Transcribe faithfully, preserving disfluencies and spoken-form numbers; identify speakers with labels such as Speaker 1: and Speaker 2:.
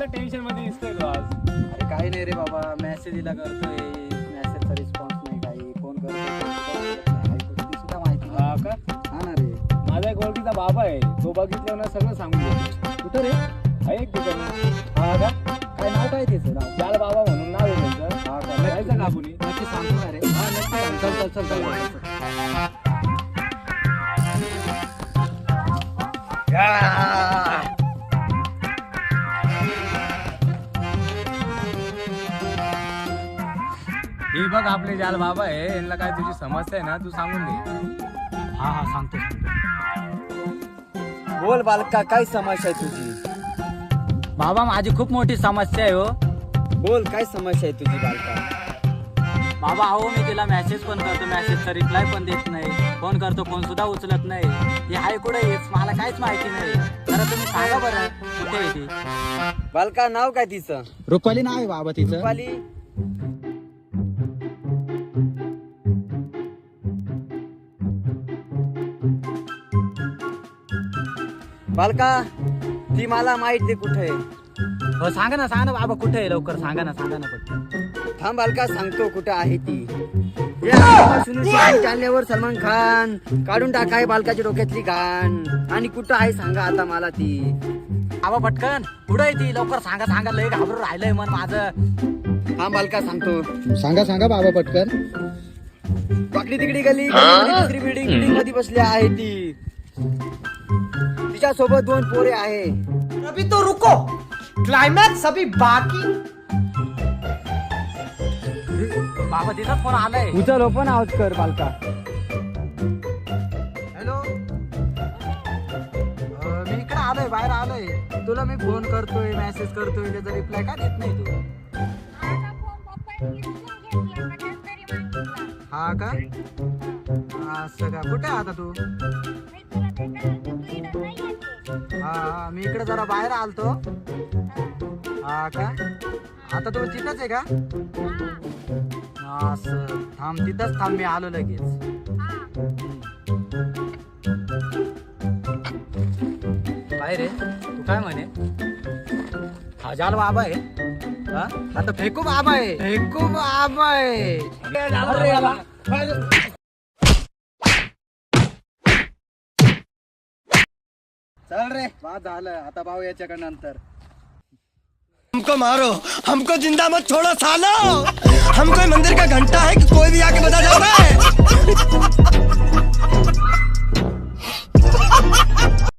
Speaker 1: कोणत्या टेन्शन मध्ये दिसतोय तू आज?
Speaker 2: अरे काही नाही रे बाबा, मेसेजला करतोय, मेसेजचा रिस्पॉन्स नाही, काही फोन करतोय सुद्धा माहिती नाही.
Speaker 1: हा का?
Speaker 2: हा ना रे.
Speaker 1: माझा एक ओळखीचा बाबा आहे, तो बघितलं ना सगळं सांगून देतो.
Speaker 2: कुठं रे?
Speaker 1: आहे एक ठिकाणी.
Speaker 2: हा का? काय नाव काय त्याचं नाव?
Speaker 1: जाल बाबा म्हणून नाव आहे त्यांचं.
Speaker 2: हा का?
Speaker 1: जायचं का आपण?
Speaker 2: नक्की सांगतो ना रे. हा नक्की सांग. चल चल चल चल.
Speaker 1: हे बघ आपले जाल बाबा आहे, यांना काय तुझी समस्या आहे ना तू सांगून दे.
Speaker 2: हा हा सांगतो सांगतो. बोल बालका, काय समस्या आहे तुझी?
Speaker 3: बाबा माझी खूप मोठी समस्या आहे हो.
Speaker 2: बोल काय समस्या आहे तुझी बालका?
Speaker 3: बाबा अहो मी तिला मेसेज पण करतो, मेसेजचा रिप्लाय पण देत नाही, फोन करतो फोन सुद्धा उचलत नाही. ती आहे कुठे हेच मला काहीच माहिती नाही. जरा तुम्ही सांगा बरं कुठे आहे ती.
Speaker 2: बालका नाव काय तिचं?
Speaker 3: रुपाली नाव आहे बाबा तिचं.
Speaker 2: रुपाली. बालका ती मला माहित आहे कुठे आहे.
Speaker 3: हो सांगा ना सांगा ना बाबा कुठे आहे, लवकर सांगा ना सांगा ना पटकन.
Speaker 2: थांब बालका सांगतो कुठे आहे ती. या सुनील जालन्यावर सलमान खान काढून टाकाय बालकाच्या डोक्यातली घाण. आणि कुठं आहे सांगा आता मला ती.
Speaker 3: बाबा पटकन कुठे आहे ती, लवकर सांगा सांगा, लय घाबरून राहिलंय मन माझं.
Speaker 2: हा बालका सांगतो.
Speaker 3: सांगा सांगा बाबा पटकन.
Speaker 2: वाकडी तिकडी गली दुसरी बिल्डिंग बिल्डिंग मध्ये बसली आहे ती. तिच्या सोबत दोन पोरे आहे.
Speaker 4: अभी तो रुको, क्लाइमैक्स अभी बाकी.
Speaker 3: बाबा तिचाच फोन आलाय.
Speaker 2: उचल ओपन आवाज कर बालका. हॅलो, मी इकडे आलोय, बाहेर आलोय. तुला मी फोन करतोय, मेसेज करतोय, त्याचा रिप्लाय का देत नाही तू? हा का? असं का? कुठे आहे आता तू? हा हा, मी इकडे जरा बाहेर आलतो. हा का? आता तू तिथंच आहे का? असं थांब, तिथंच थांब, मी आलो लगेच.
Speaker 3: काय रे तू काय म्हणे? हा जाल बाबा आहे.
Speaker 2: हा? आता फेकू बाबा आहे, फेकू बाबा आहे. अरे याला. चल रे, बाद झालं. आता भाऊ याच्याकडे नंतर.
Speaker 4: हमको मारो, हमको जिंदा मत छोड़ो सालो. हम कोई मंदिर का घंटा है कि कोई भी आके बजा जाता है.